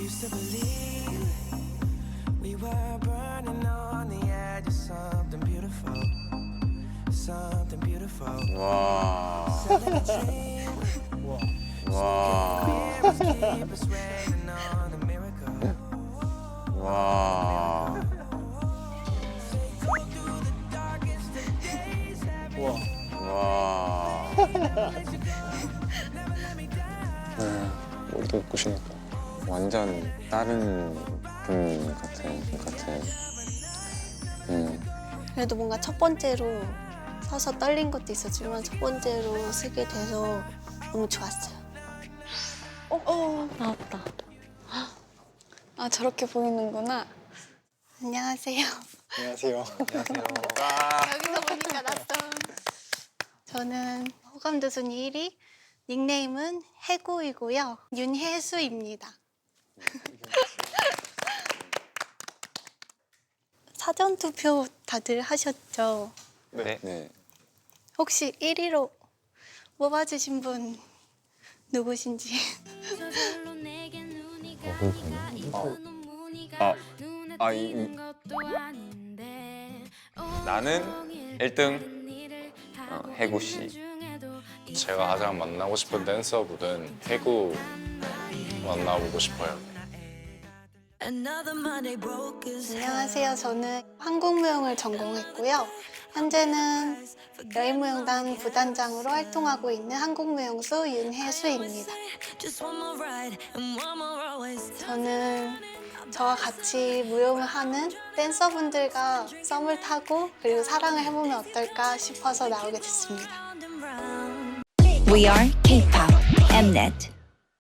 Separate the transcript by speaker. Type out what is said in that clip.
Speaker 1: used to believe we were burning on the edge of something beautiful, something beautiful.
Speaker 2: 와.
Speaker 1: Selling a dream,
Speaker 2: 와.
Speaker 1: mirrors keep us waiting on a miracle.
Speaker 2: 와.
Speaker 1: Go through the darkest of days, every
Speaker 2: 와.
Speaker 3: 머리도 예쁘시니까.
Speaker 2: 완전 다른 분 같은.
Speaker 4: 그래도 뭔가 첫 번째로 서서 떨린 것도 있었지만 첫 번째로 쓰게 돼서 너무 좋았어요.
Speaker 5: 나왔다. 아, 저렇게 보이는구나.
Speaker 4: 안녕하세요.
Speaker 3: 안녕하세요.
Speaker 4: 여기서 보니까 낯선. 저는 호감도순위 1위, 닉네임은 해구이고요. 윤혜수입니다. 사전투표 다들 하셨죠?
Speaker 2: 네.
Speaker 4: 혹시 1위로 뽑아주신 분 누구신지?
Speaker 2: 나는 1등 해구 씨.
Speaker 6: 제가 가장 만나고 싶은 댄서분은 해구 만나보고 싶어요.
Speaker 4: 안녕하세요. 저는 한국무용을 전공했고요. 현재는 여인무용단 부단장으로 활동하고 있는 한국무용수 윤혜수입니다. 저는 저와 같이 무용을 하는 댄서분들과 썸을 타고 그리고 사랑을 해보면 어떨까 싶어서 나오게 됐습니다.
Speaker 7: We are K-pop Mnet.